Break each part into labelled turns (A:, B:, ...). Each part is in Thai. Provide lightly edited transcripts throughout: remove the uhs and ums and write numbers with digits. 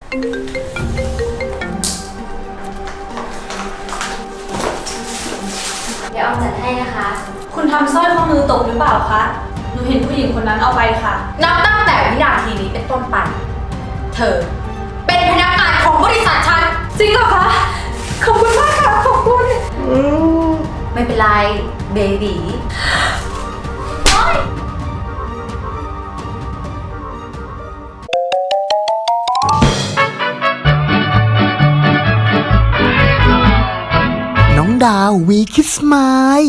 A: เดี๋ยวออมจัดให้นะคะ
B: คุณทำสร้อยข้อมือตกหรือเปล่าคะ หนูเห็นผู้หญิงคนนั้นเอาไปค่ะ
C: นับตั้งแต่วินาทีนี้เป็นต้นไป เธอเป็นพนักงานของบริษัทฉัน
B: จริงเหรอคะ ขอบคุณมากค่ะ ขอบคุณ
C: ไม่เป็นไร เบบีโอ๊ย
D: น้องดาววีคิสไมล์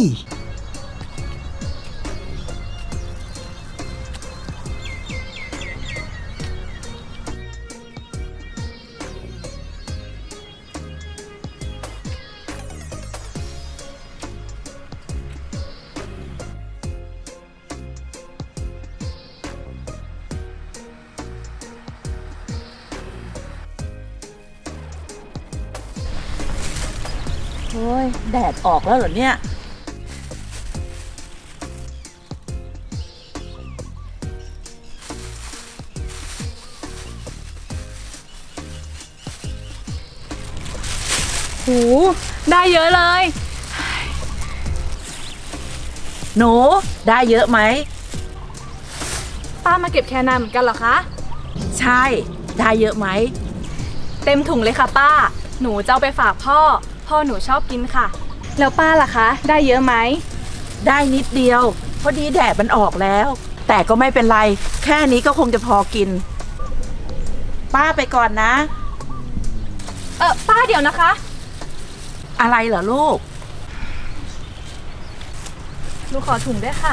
E: โอ้ยแดดออกแล้วเหรอเนี่ย
B: หูได้เยอะเลย
E: หนูได้เยอะไหม
B: ป้ามาเก็บแคนาเหมือนกันเหรอคะ
E: ใช่ได้เยอะไหม
B: เต็มถุงเลยค่ะป้า หนูจะเอาไปฝากพ่อ พ่อหนูชอบกินค่ะ แล้วป้าล่ะคะ ได้เยอะไหม
E: ได้นิดเดียวพอดีแดดมันออกแล้ว แต่ก็ไม่เป็นไร แค่นี้ก็คงจะพอกิน ป้าไปก่อนนะ
B: ป้าเดี๋ยวนะคะ
E: อะไรเหรอลูก
B: หนูขอถุงด้วยค่ะ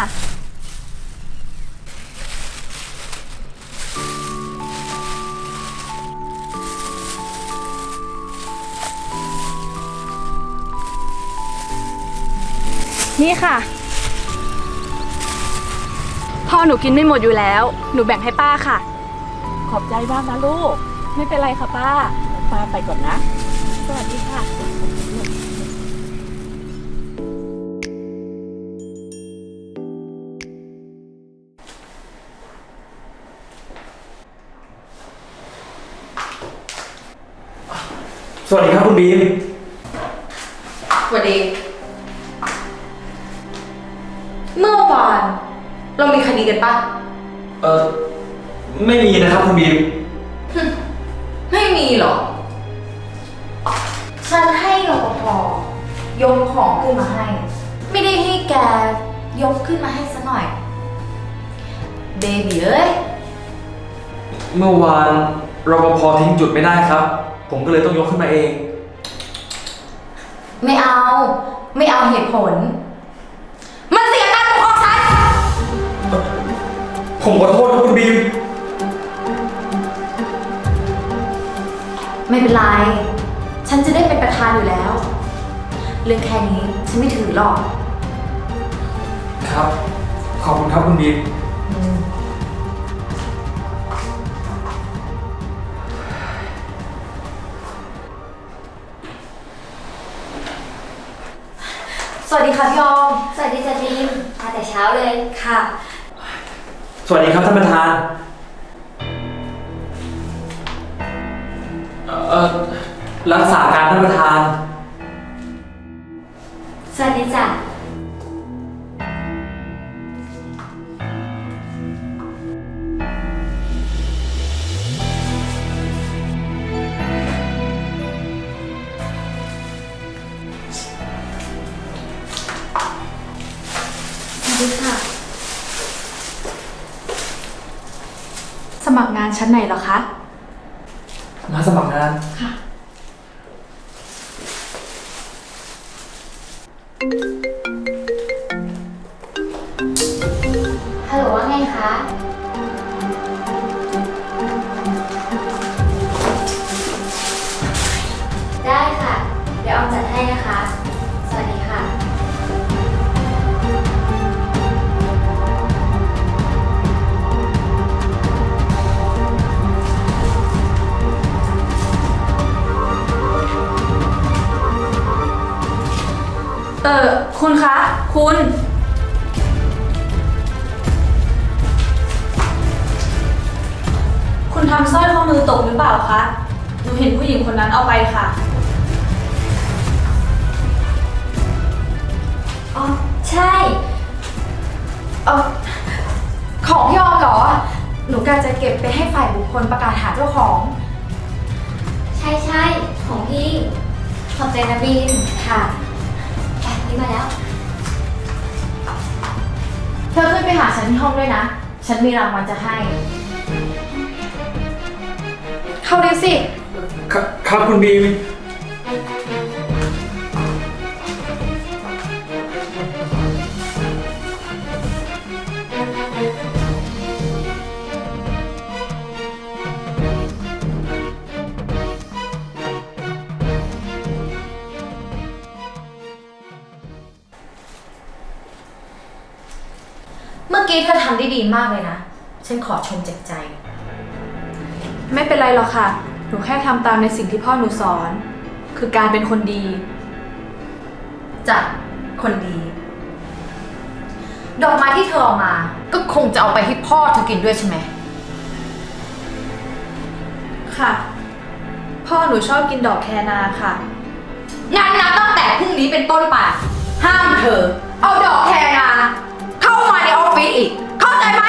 B: นี่ค่ะ พ่อหนูกินไม่หมดอยู่แล้ว หนูแบ่งให้ป้าค่ะ
E: ขอบใจมากนะลูก
B: ไม่เป็นไรค่ะป้า
E: ป้าไปก่อนนะ
B: สวัสดีค่ะ
F: สวัสดีครับคุณบีม
C: สวัสดี เมื่อวานเรามีคดีกันปะ
F: ไม่มีนะครับคุณบีม
C: ไม่มีหรอก ฉันให้รปภยกของขึ้นมาให้ ไม่ได้ให้แกยกขึ้นมาให้ซะหน่อย เบบีเอ้ย
F: เมื่อวานรปภทิ้งจุดไม่ได้ครับ ผมก็เลยต้องยกขึ้นมาเอง
C: ไม่เอา ไม่เอาเหตุผล มันเสียการปกครองฉัน
F: ผมขอโทษครับคุณบีม
C: ไม่เป็นไร ฉันจะได้เป็นประธานอยู่แล้ว เรื่องแค่นี้ฉันไม่ถือหรอก
F: ครับ ขอบคุณครับคุณบีม
C: สวัสดีค่ะพี่ออม
A: สวัสดีจ้ะบีมมาแต่เช้าเลย
C: ค่ะ
F: สวัสดีครับท่านประธาน รักษาการท่านประธาน
A: สวัสดีจ้ะ
B: สวัสดีค่ะ สมัครงานชั้นไหนเหรอคะ
F: มาสมัครงาน
B: ค่ะ
A: ฮัลโหลว่าไงคะ ได้ค่ะ เดี๋ยวออมจัดให้นะคะ สวัสดีค่ะ
B: คุณคะ คุณ คุณทำสร้อยข้อมือตกหรือเปล่าคะหนูเห็นผู้หญิงคนนั้นเอาไปค่ะ
A: อ๋อ ใช่
C: ของพี่ออมเหรอ หนูกะจะเก็บไปให้ฝ่ายบุคคลประกาศหาเจ้าของ
A: ใช่ใช่ของพี่ ขอบใจนะบีมค่ะไปนี่มาแล้ว
C: เธอขึ้นไปหาฉันที่ห้องด้วยนะ ฉันมีรางวัลจะให้ เข้าเลยสิ
F: ครับคุณบีม
C: เมื่อกี้เธอทำได้ดีมากเลยนะ ฉันขอชมจากใจ
B: ไม่เป็นไรหรอกค่ะ หนูแค่ทำตามในสิ่งที่พ่อหนูสอน คือการเป็นคนดี
C: จากคนดี ดอกไม้ที่เธอเอามา ก็คงจะเอาไปให้พ่อเธอกินด้วยใช่ไหม
B: ค่ะ พ่อหนูชอบกินดอกแคนาค่ะ
C: งานนับตั้งแต่พรุ่งนี้เป็นต้นไป ห้ามเธอ เอาดอกแคนาเข้ามาในออฟฟิศอีก เข้าใจไหม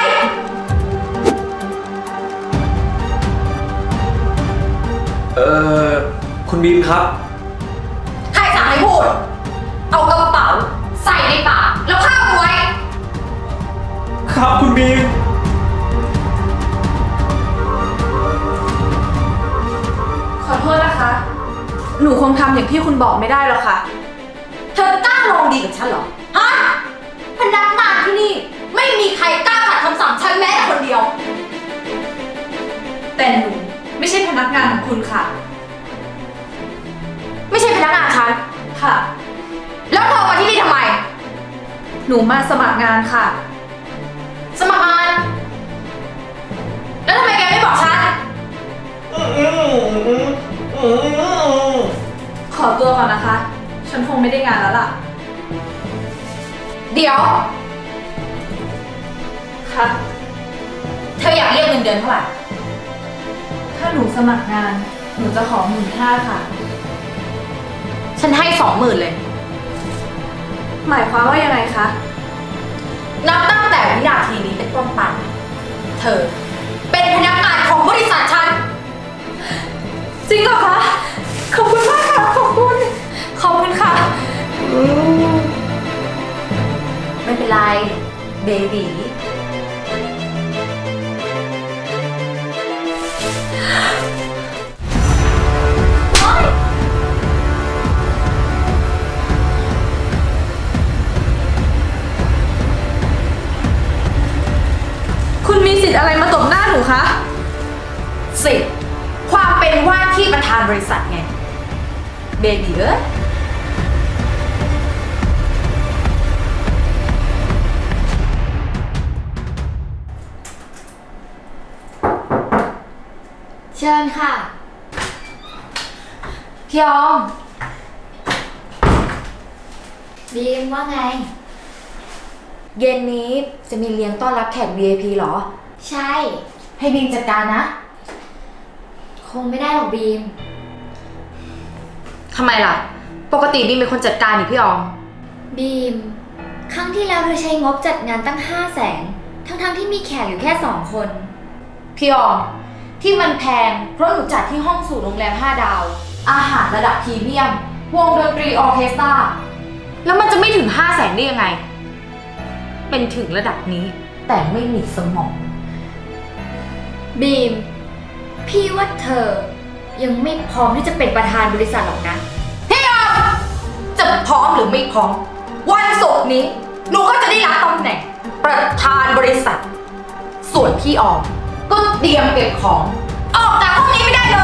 F: คุณบีมครับ
C: ใครสั่งให้พูด เอากระเป๋าใส่ในปากแล้วข้ามไว้
F: ครับคุณบีม
B: ขอโทษนะคะ หนูคงทำอย่างที่คุณบอกไม่ได้หรอกค่ะ
C: เธอกล้าลองดีกับฉันเหรอ ฮะ พนักงานที่นี่ไม่มีใครกล้าขัดคำสั่งฉันแม้แต่คนเดียว
B: แต่หนูไม่ใช่พนักงานของคุณค่ะ
C: ไม่ใช่พนักงานฉัน
B: ค่ะ
C: แล้วเธอมาที่นี่ทำไม
B: หนูมาสมัครงานค่ะ
C: สมัครงาน แล้วทำไมแกไม่บอกฉัน
B: ขอตัวก่อนนะคะ ฉันคงไม่ได้งานแล้วล่ะ
C: เดี๋ยว
B: ค่ะ
C: เธออยากเรียกเงินเดือนเท่าไหร่
B: ถ้าหนูสมัครงาน หนูจะขอ15,000 ค่ะ
C: ฉันให้20,000เลย
B: หมายความว่ายังไงคะ
C: นับตั้งแต่วินาทีนี้เป็นต้นไป เธอ เป็นพนักงานของบริษัทฉัน
B: จริงเหรอคะ ขอบคุณมากค่ะ ขอบคุณ ขอบคุณค่ะ
C: ไม่เป็นไร เบบี
B: คุณมีสิทธิ์อะไรมาตบหน้าหนูคะ
C: สิความเป็นว่าที่ประธานบริษัทไง เบบีเอ้ย
A: เชิญค่ะ
C: พี่ออม
A: บีมว่าไง
C: เย็นนี้จะมีเลี้ยงต้อนรับแขก VIP เหรอ
A: ใช่
C: ให้บีมจัดการนะ
A: คงไม่ได้หรอกบีม
C: ทำไมล่ะ ปกติบีมเป็นคนจัดการนี่พี่ออม
A: บีม ครั้งที่แล้วเธอใช้งบจัดงานตั้ง500,000ทั้งที่มีแขกอยู่แค่2 คน
C: พี่ออม ที่มันแพงเพราะหนูจัดที่ห้องสูตรโรงแรม5 ดาว อาหารระดับพรีเมียม วงดนตรีออร์เคสตรา แล้วมันจะไม่ถึง500,000ได้ยังไง เป็นถึงระดับนี้ แต่ไม่มีสมอง
A: บีม พี่ว่าเธอยังไม่พร้อมที่จะเป็นประธานบริษัทหรอกนะ
C: พี่ออม จะพร้อมหรือไม่พร้อม วันศุกร์นี้หนูก็จะได้รับตำแหน่ง ประธานบริษัท ส่วนพี่ออม ก็เตรียมเก็บของ ออกจากห้องนี้ไม่ได้เลย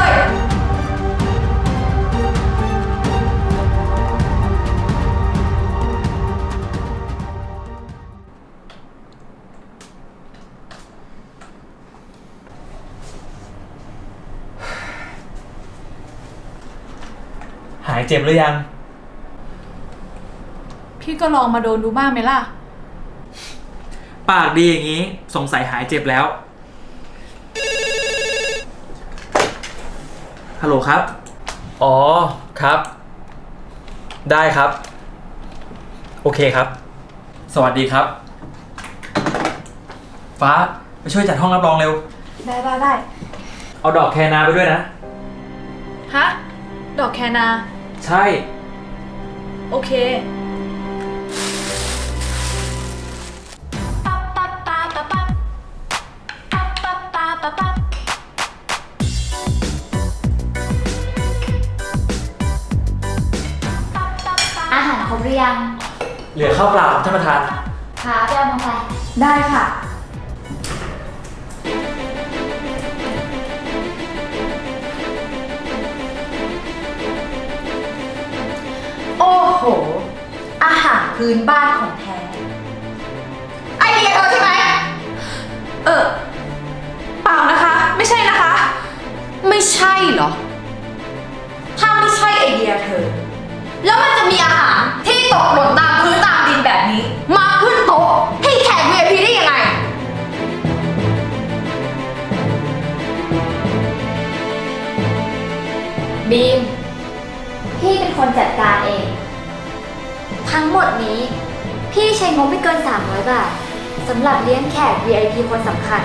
F: หายเจ็บหรือยัง
B: พี่ก็ลองมาโดนดูบ้างไหมล่ะ
F: ปากดีอย่างนี้ สงสัยหายเจ็บแล้ว ฮฮัลโหลครับ อ๋อ ครับ ได้ครับ โอเคครับ สวัสดีครับ ฟ้าไปช่วยจัดห้องรับรองเร็ว
B: ได้
F: เอาดอกแคนาไปด้วยนะ
B: ฮะ ดอกแคนา
F: ใช่
B: โอเค
A: อาหารครบหรือยัง
F: เหลือข้าวเปล่าท่านประธาน
A: คะไปเอามาไป
B: ได้ค่ะ
C: โอ้โห อาหารพื้นบ้านของแท้ ไอเดียเธอใช่ไหม
B: เปล่านะคะ ไม่ใช่นะคะ
C: ไม่ใช่เหรอ ถ้าไม่ใช่ไอเดียเธอ แล้วมันจะมีอาหารที่ตกหล่นตามพื้นตามดินแบบนี้ มาขึ้นโต๊ะให้แขก VIP ได้ยังไง
A: บีม พี่เป็นคนจัดการเอง ทั้งหมดนี้ พี่ใช้งบไม่เกิน 300 บาทสำหรับเลี้ยงแขก VIP คนสำคัญ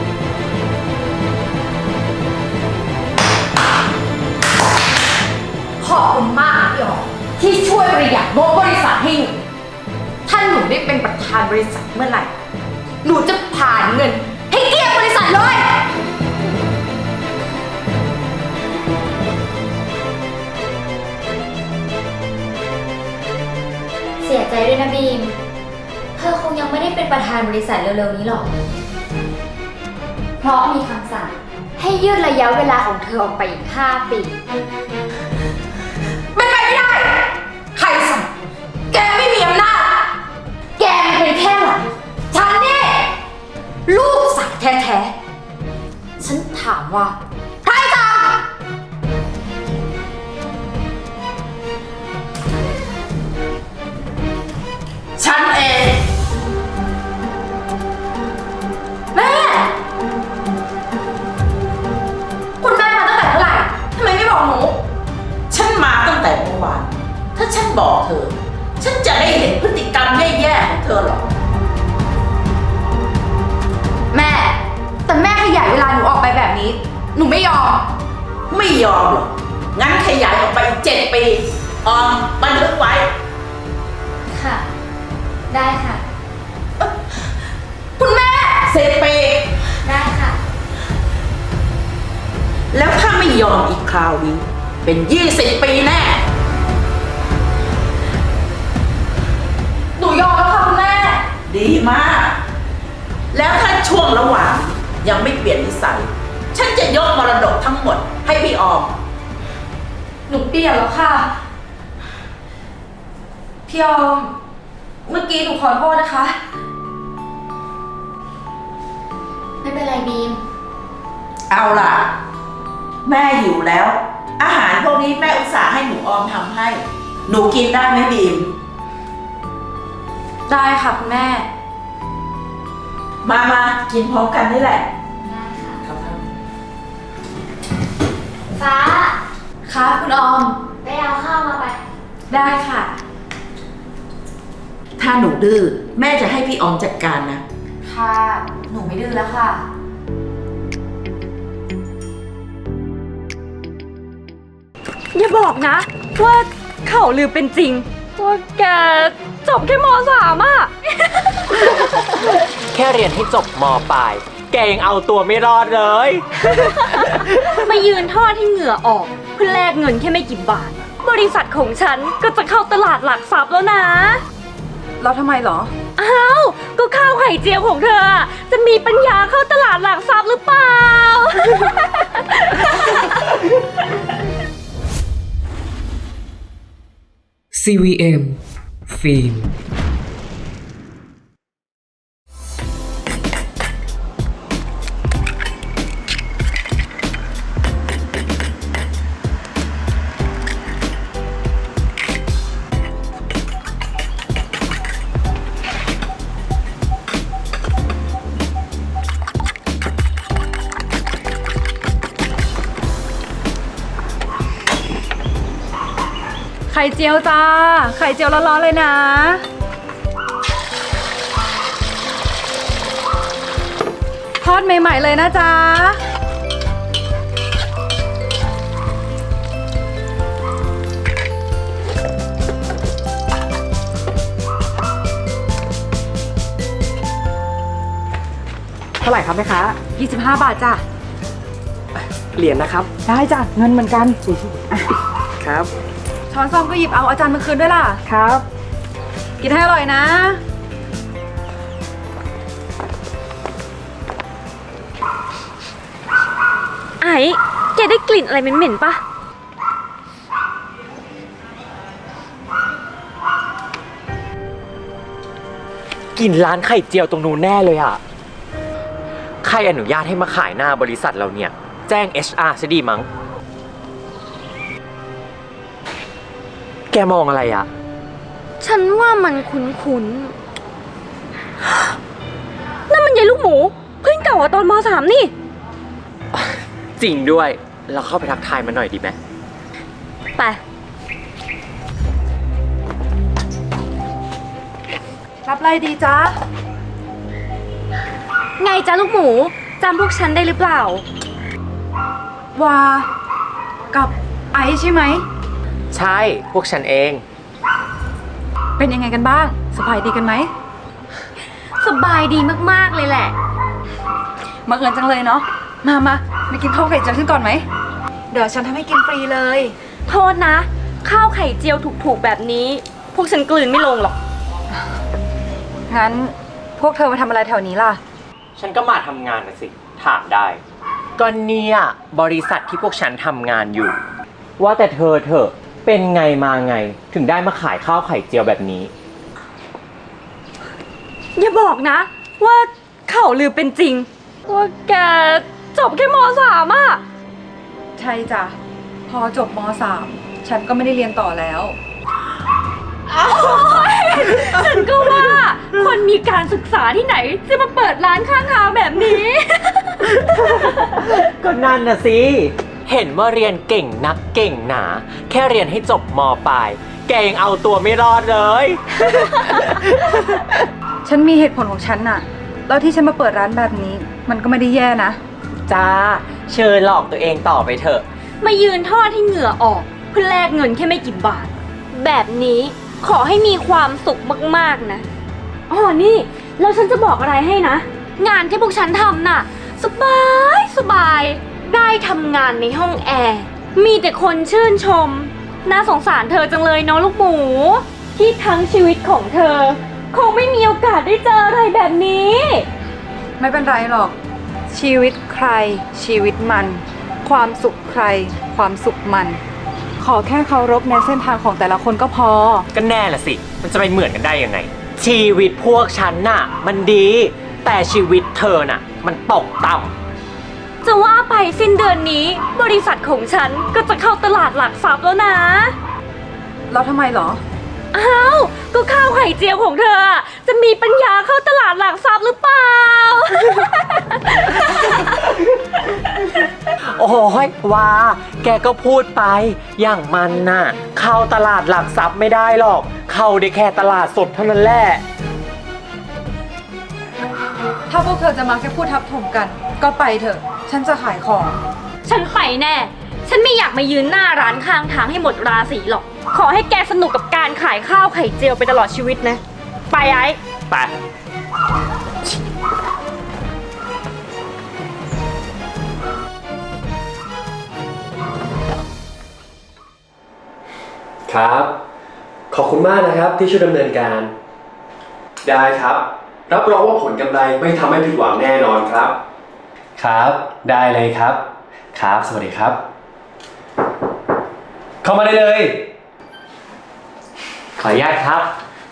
C: ขอบคุณมากพี่หยองที่ช่วยประหยัดงบบริษัทให้หนู ถ้าหนูได้เป็นประธานบริษัทเมื่อไหร่ หนูจะผ่านเงิน ให้เกลี้ยงบริษัทเลย
A: เสียใจด้วยนะบีม เธอคงยังไม่ได้เป็นประธานบริษัทเร็วๆนี้หรอก เพราะมีคำสั่งให้ยืดระยะเวลาของเธอออกไปอีก 5 ปี
C: เป็นไปไม่ได้ ใครสั่งแกไม่มีอำนาจ แกมันเป็นแค่หลานฉันนี่ลูกสาวแท้ๆ ฉันถามว่า ใครสั่ง ฉันเอง แม่ คุณแม่มาตั้งแต่เมื่อไหร่ ทำไมไม่บอกหนู
E: ฉันมาตั้งแต่เมื่อวาน ถ้าฉันบอกเธอ ฉันจะได้เห็นพฤติกรรมแย่ๆของเธอหรอก
C: แม่ แต่แม่ขยายเวลาหนูออกไปแบบนี้ หนูไม่ยอม
E: ไม่ยอมหรอก งั้นขยายออกไปอีก7 ปีบันทึกไว้
A: ค่ะ ได้ค่ะ
C: คุณแม่
E: 10 ปี
A: ได้ค่ะ
E: แล้วถ้าไม่ยอมอีกคราวนี้ เป็น20 ปีแน่
C: หนูยอมแล้วค่ะคุณแม่
E: ดีมาก แล้วถ้าช่วงระหว่างยังไม่เปลี่ยนนิสัย ฉันจะยกมรดกทั้งหมดให้พี่ออม
C: หนูเปลี่ยนแล้วค่ะ พี่ออม เมื่อกี้หนูขอโทษนะคะ
A: ไม่เป็นไรบีม
E: เอาล่ะ แม่หิวแล้ว อาหารพวกนี้แม่อุตส่าห์ให้หนูออมทำให้ หนูกินได้ไหมบีม
C: ได้ค่ะคุณแม่
E: มากินพร้อมกันนี่แหละ
A: ได้ค่ะ
F: ครับ
A: ฟ้า
C: ค่ะคุณออม
A: ไปเอาข้าวมาไป
C: ได้ค่ะ
E: ถ้าหนูดื้อแม่จะให้พี่ออมจัดการนะ
C: ค่ะ หนูไม่ดื้อแล้วค่ะ
B: อย่าบอกนะ ว่าข่าวลือเป็นจริง ว่าแกจบแค่ม.3 อ่ะ
G: แค่เรียนให้จบม.ปลาย แกยังเอาตัวไม่รอดเลย
B: มายืนทอดให้เหงื่อออกเพื่อแลกเงินแค่ไม่กี่บาท บริษัทของฉันก็จะเข้าตลาดหลักทรัพย์แล้วนะ
H: แล้วทำไมเหรอ
B: อ้าว ก็ข้าวไข่เจียวของเธออะจะมีปัญญาเข้าตลาดหลักทรัพย์หรือเปล่า
I: CVM ฟิล์ม
H: ไข่เจียวจ้า ไข่เจียวร้อนๆเลยนะ ทอดใหม่ๆเลยนะจ๊ะ
I: เท่าไหร่ครับแม่ค้า
H: 25 บาทจ้ะ
I: เหรียญนะครับ
H: ได้จ้ะ เงินเหมือนกัน
I: ครับ
H: ช้อนซ่อมก็หยิบเอาอาจารย์มาคืนด้วยล่ะ
I: ครับ
H: กินให้อร่อยนะ
B: ไอ้แกได้กลิ่นอะไรเหม็นๆปะ
G: กินร้านไข่เจียวตรงนู้นแน่เลยอ่ะ ใครอนุญาตให้มาขายหน้าบริษัทเราเนี่ย แจ้ง HR ซะดีมั้ง แกมองอะไรอ่ะ
B: ฉันว่ามันคุ้นๆ นั่นมันยายลูกหมู เพื่อนเก่าอะตอนม.3 นี่
G: จริงด้วย เราเข้าไปทักทายมันหน่อยดีไหม
B: ไป
H: รับอะไรดีจ๊ะ
B: ไงจ้าลูกหมูจำพวกฉันได้หรือเปล่า
H: วา กับไอซ์ใช่ไหม
G: ใช่ พวกฉันเอง
H: เป็นยังไงกันบ้าง สบายดีกันไหม
B: สบายดีมากๆเลยแหละ
H: มาเอิญจังเลยเนาะ มากินข้าวไข่เจียวฉันก่อนไหม เดี๋ยวฉันทำให้กินฟรีเลย
B: โทษนะ ข้าวไข่เจียวถูกๆแบบนี้ พวกฉันกลืนไม่ลงหรอก
H: งั้นพวกเธอมาทำอะไรแถวนี้ล่ะ
G: ฉันก็มาทำงานนะสิ ถามได้ ก็เนี่ยบริษัทที่พวกฉันทำงานอยู่ ว่าแต่เธอเป็นไงมาไง ถึงได้มาขายข้าวไข่เจียวแบบนี้
B: อย่าบอกนะ ว่าข่าวลือเป็นจริง ว่าแกจบแค่ม.3 อ่ะ
H: ใช่จ้ะ พอจบม.3 ฉันก็ไม่ได้เรียนต่อแล้ว
B: ฉันก็ว่า คนมีการศึกษาที่ไหน จะมาเปิดร้านข้างทางแบบนี้
G: ก็นั่นน่ะสิ เห็นว่าเรียนเก่งนักเก่งหนา แค่เรียนให้จบม.ปลาย แกยังเอาตัวไม่รอดเลย
H: ฉันมีเหตุผลของฉันน่ะ แล้วที่ฉันมาเปิดร้านแบบนี้ มันก็ไม่ได้แย่นะ
G: จ้า เชิญหลอกตัวเองต่อไปเถอะ
B: มายืนทอดให้เหงื่อออก เพื่อแลกเงินแค่ไม่กี่บาท แบบนี้ขอให้มีความสุขมากๆนะอ๋อนี่แล้วฉันจะบอกอะไรให้นะ งานที่พวกฉันทำน่ะ สบายได้ทำงานในห้องแอร์มีแต่คนชื่นชมน่าสงสารเธอจังเลยเนาะลูกหมู ที่ทั้งชีวิตของเธอ คงไม่มีโอกาสได้เจออะไรแบบนี้
H: ไม่เป็นไรหรอก ชีวิตใคร ชีวิตมัน ความสุขใคร ความสุขมัน ขอแค่เคารพในเส้นทางของแต่ละคนก็พอ
G: ก็แน่ละสิ มันจะไปเหมือนกันได้ยังไง ชีวิตพวกฉันน่ะ มันดี แต่ชีวิตเธอน่ะ มันตกต่ำ
B: จะว่าไปสิ้นเดือนนี้ บริษัทของฉันก็จะเข้าตลาดหลักทรัพย์แล้วนะ
H: แล้วทำไมหรอ
B: อ้าว ก็ข้าวไข่เจียวของเธออะจะมีปัญญาเข้าตลาดหลักทรัพย์หรือเปล่า
G: โอ้ยว่า แกก็พูดไป อย่างมันน่ะ เข้าตลาดหลักทรัพย์ไม่ได้หรอก เข้าได้แค่ตลาดสดเท่านั้นแหละ
H: ถ้าพวกเธอจะมาแค่พูดทับถมกัน ก็ไปเถอะ ฉันจะขายของ
B: ฉันไปแน่ ฉันไม่อยากมายืนหน้าร้านข้างทางให้หมดราศีหรอก ขอให้แกสนุกกับการขายข้าวไข่เจียวไปตลอดชีวิตนะ ไปไอ้
G: ไป
J: ครับ ขอบคุณมากนะครับที่ช่วยดำเนินการ ได้ครับ รับรองว่าผลกำไรไม่ทำให้ผิดหวังแน่นอนครับ ครับ ได้เลยครับ ครับ สวัสดีครับ เข้ามาได้เลย
G: ขออนุญาตครับ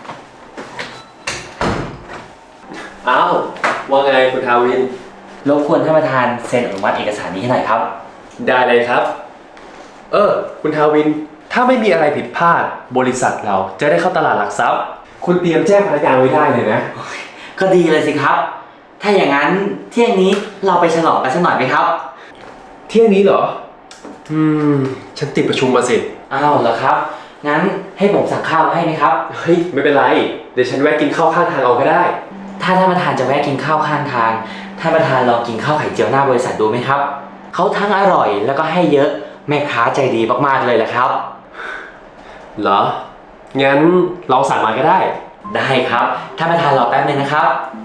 J: อ้าว ว่าไงคุณทาวิน
G: รบกวนท่านประธานเซ็นอนุมัติเอกสารนี้ให้หน่อยครับ
J: ได้เลยครับ คุณทาวิน ถ้าไม่มีอะไรผิดพลาด บริษัทเราจะได้เข้าตลาดหลักทรัพย์ คุณเตรียมแจ้งพนักงานไว้ได้เลยนะ
K: ก็ดีเลยสิครับ ถ้าอย่างนั้นเที่ยงนี้เราไปฉลองกันสักหน่อยไหมครับ
J: เที่ยงนี้เหรอ ฉันติดประชุมมาสิ
K: อ้าวเหรอครับงั้นให้ผมสั่งข้าวมาให้ไหมครับ
J: เฮ้ย ไม่เป็นไร เดี๋ยวฉันแวะกินข้าวข้างทางเอาก็ได้
K: ถ้าท่านประธานจะแวะกินข้าวข้างทาง ท่านประธานลองกินข้าวไข่เจียวหน้าบริษัทดูไหมครับ เขาทั้งอร่อยแล้วก็ให้เยอะ แม่ค้าใจดีมากๆเลยแหละครับ
J: เหรอ งั้นเราสั่งมาก็ได้
K: ได้ครับ ท่านประธานรอแป๊บนึงนะครับ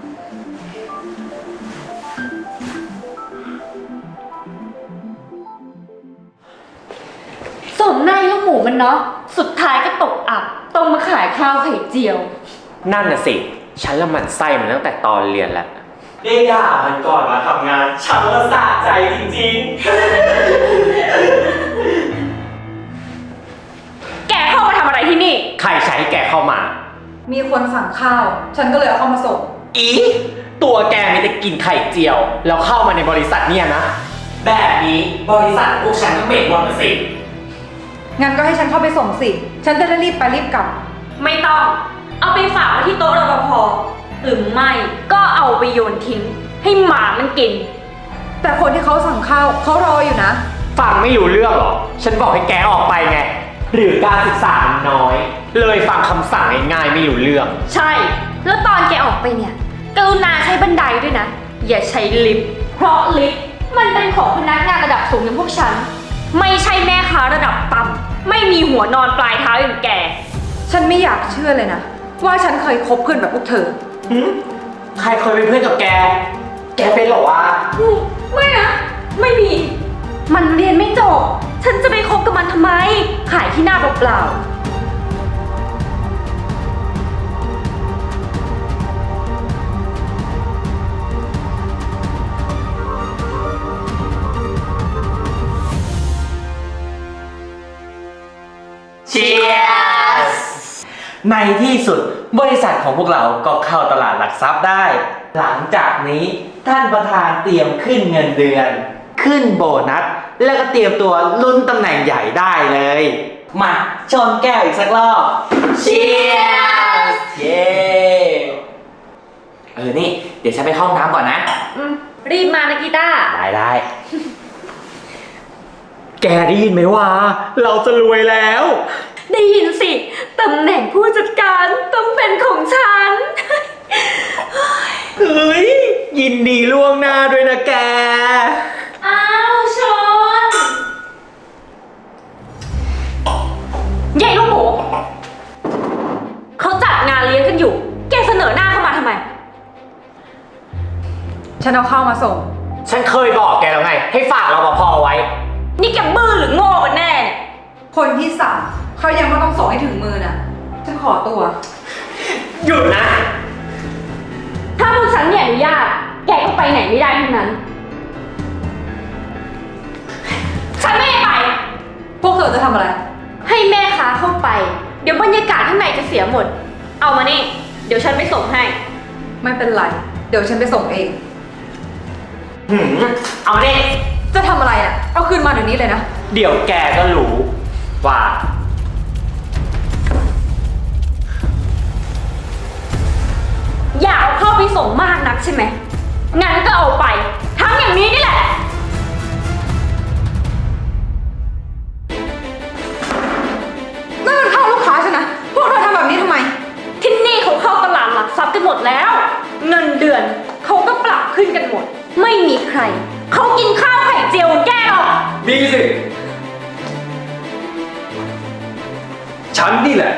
B: สมนายลูกหมูมันเนาะ สุดท้ายก็ตกอับต้องมาขายข้าวไข่เจียว
G: นั่นน่ะสิ ฉันละหมั่นไส้มันตั้งแต่ตอนเรียนแล้ว
K: ได้ด่ามันก่อนมาทำงาน ฉันละสะใจจริง
B: แกเข้ามาทำอะไรที่นี่
G: ใครใช้ให้แกเข้ามา
H: มีคนสั่งข้าว ฉันก็เลยเอาเข้ามาส่ง
G: อีตัวแกมีแต่กินไข่เจียว แล้วเข้ามาในบริษัทเนี่ยนะ แบบนี้บริษัทพวกฉันก็เหม็นหมดสิ
H: งั้นก็ให้ฉันเข้าไปส่งสิ ฉันจะได้รีบไปรีบกลับ
B: ไม่ต้อง เอาไปฝากไว้ที่โต๊ะรปภหรือไม่ก็เอาไปโยนทิ้ง ให้หมามันกิน
H: แต่คนที่เขาสั่งข้าวเขารออยู่นะ
G: ฟังไม่รู้เรื่องหรอ ฉันบอกให้แกออกไปไง หรือการศึกษามันน้อย เลยฟังคำสั่งง่ายๆไม่รู้เรื่อง
B: ใช่ แล้วตอนแกออกไปเนี่ย กรุณาใช้บันไดด้วยนะ อย่าใช้ลิฟต์ เพราะลิฟต์มันเป็นของพนักงานระดับสูงอย่างพวกฉัน ไม่ใช่แม่ค้าระดับต่ำ ไม่มีหัวนอนปลายเท้าอย่างแก
H: ฉันไม่อยากเชื่อเลยนะ ว่าฉันเคยคบเพื่อนแบบพวกเธอ
G: ใครเคยเป็นเพื่อนกับแก แกเป็นเหรอวะ
B: ไม่นะ ไม่มี มันเรียนไม่จบ ฉันจะไปคบกับมันทำไม ขายที่หน้าเปล่าๆ
K: ในที่สุดบริษัทของพวกเราก็เข้าตลาดหลักทรัพย์ได้ หลังจากนี้ท่านประธานเตรียมขึ้นเงินเดือน ขึ้นโบนัส แล้วก็เตรียมตัวลุ้นตำแหน่งใหญ่ได้เลย มาชนแก้วอีกสักรอบเชียร์เย้นี่เดี๋ยวฉันไปเข้าห้องน้ำก่อนนะ
B: รีบมานะกีตาร์
K: ได้
G: แกได้ยินไหมวะ เราจะรวยแล้ว
B: ได้ยินสิ ตำแหน่งผู้จัดการต้องเป็นของฉัน
G: เฮ้ย ยินดีล่วงหน้าด้วยนะแก
B: อ้าวชนใหญ่ลูกหมูเขาจัดงานเลี้ยงกันอยู่ แกเสนอหน้าเข้ามาทำไม
H: ฉันเอาข้าวมาส่ง
G: ฉันเคยบอกแกแล้วไง ให้ฝากรปภไว้
B: นี่แกบื้อหรือโง่กันแน่เนี่ย
H: คนที่สั่งเขายังไม่ต้องส่งให้ถึงมือน่ะ ฉันขอตัว
G: หยุดนะ
B: ถ้าพวกฉันไม่อนุญาต แกก็ไปไหนไม่ได้ทั้งนั้น ฉันไม่ให้ไป
H: พวกเธอจะทำอะไร
B: ให้แม่ค้าเข้าไป เดี๋ยวบรรยากาศข้างในจะเสียหมด เอามานี่ เดี๋ยวฉันไปส่งให้
H: ไม่เป็นไร เดี๋ยวฉันไปส่งเอง
G: เอาดิ
H: จะทำอะไรอ่ะ เอาคืนมาเดี๋ยวนี้เลยนะ
G: เดี๋ยวแกก็รู้ว่า
B: อยากเอาเข้าไปส่งมากนักใช่ไหม งั้นก็เอาไป ทั้งอย่างนี้นี่แหละ
H: นั่นมันข้าวลูกค้าฉันนะ พวกเธอทำแบบนี้ทำไม
B: ที่นี่เขาเข้าตลาดหลักทรัพย์กันหมดแล้ว เงินเดือนเขาก็ปรับขึ้นกันหมด ไม่มีใคร เขากินข้าวไข่เจียวแก้หรอก
J: มีสิ ฉันนี่แหละ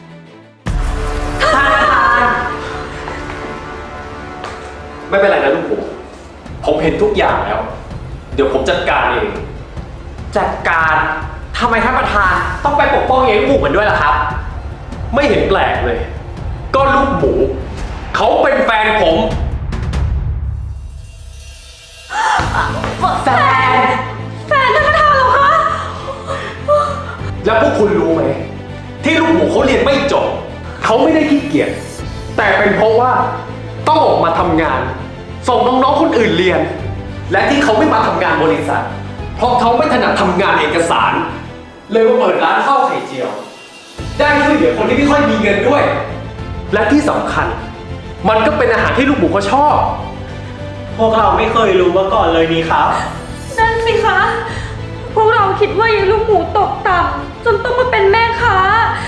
J: ไม่เป็นไรนะลูกผมเห็นทุกอย่างแล้ว เดี๋ยวผมจัดการเอง
G: จัดการทำไมท่านประธานต้องไปปกป้องยายลูกหมูกันด้วยล่ะครับ
J: ไม่เห็นแปลกเลย ก็ลูกหมู เขาเป็นแฟนผม
B: แฟนท่านประธานเหรอคะ
J: แล้วพวกคุณรู้ไหม ที่ลูกหมูเขาเรียนไม่จบ เขาไม่ได้ขี้เกียจแต่เป็นเพราะว่าต้องออกมาทำงาน ส่งน้องๆคนอื่นเรียน และที่เขาไม่มาทำงานบริษัท เพราะเขาไม่ถนัดทำงานเอกสาร เลยมาเปิดร้านข้าวไข่เจียว ได้ช่วยเหลือคนที่ไม่ค่อยมีเงินด้วย และที่สำคัญ มันก็เป็นอาหารที่ลูกหมูเขาชอบ
K: พวกเราไม่เคยรู้มาก่อนเลยนี่ครับ
B: นั่นสิคะ พวกเราคิดว่ายายลูกหมูตกต่ำจนต้องมาเป็นแม่ค้า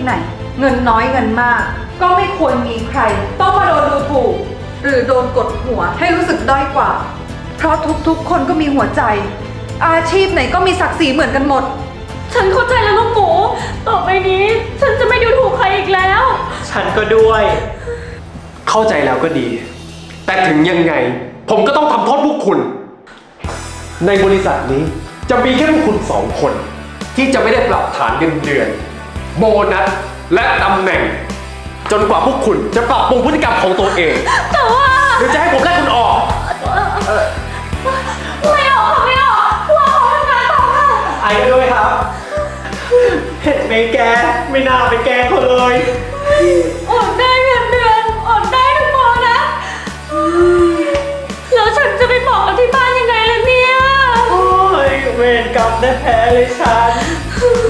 H: ไหน เงินน้อยเงินมาก ก็ไม่ควรมีใคร ต้องมาโดนดูถูก หรือโดนกดหัวให้รู้สึกด้อยกว่า เพราะทุกๆ คนก็มีหัวใจ อาชีพไหนก็มีศักดิ์ศรีเหมือนกันหมด
B: ฉันเข้าใจแล้วลูกหมู ต่อไปนี้ ฉันจะไม่ดูถูกใครอีกแล้ว
K: ฉันก็ด้วย
J: เข้าใจแล้วก็ดี แต่ถึงยังไง ผมก็ต้องทำโทษพวกคุณ ในบริษัทนี้จะมีแค่พวกคุณสองคน ที่จะไม่ได้ปรับฐานเงินเดือน โบนัส และตำแหน่ง จนกว่าพวกคุณจะปรับปรุงพฤติกรรมของตัวเอง
B: แต่ว่า
J: หรือจะให้ผมไล่คุณออก
B: ไม่ออกค่ะไม่ออกพวกเขาทำงานต่อค่ะ
K: ไอ้ก็ด้วยครับ เห็นไหมแก ไม่น่าไปแกล้งเขาเลย
B: อดได้เงินเดือนอดได้ทุกโมนะแล้วฉันจะไปบอกกับที่บ้านยังไงล่ะเนี่ย
K: โอ้ยเวรกรรมแท้ๆเลยฉัน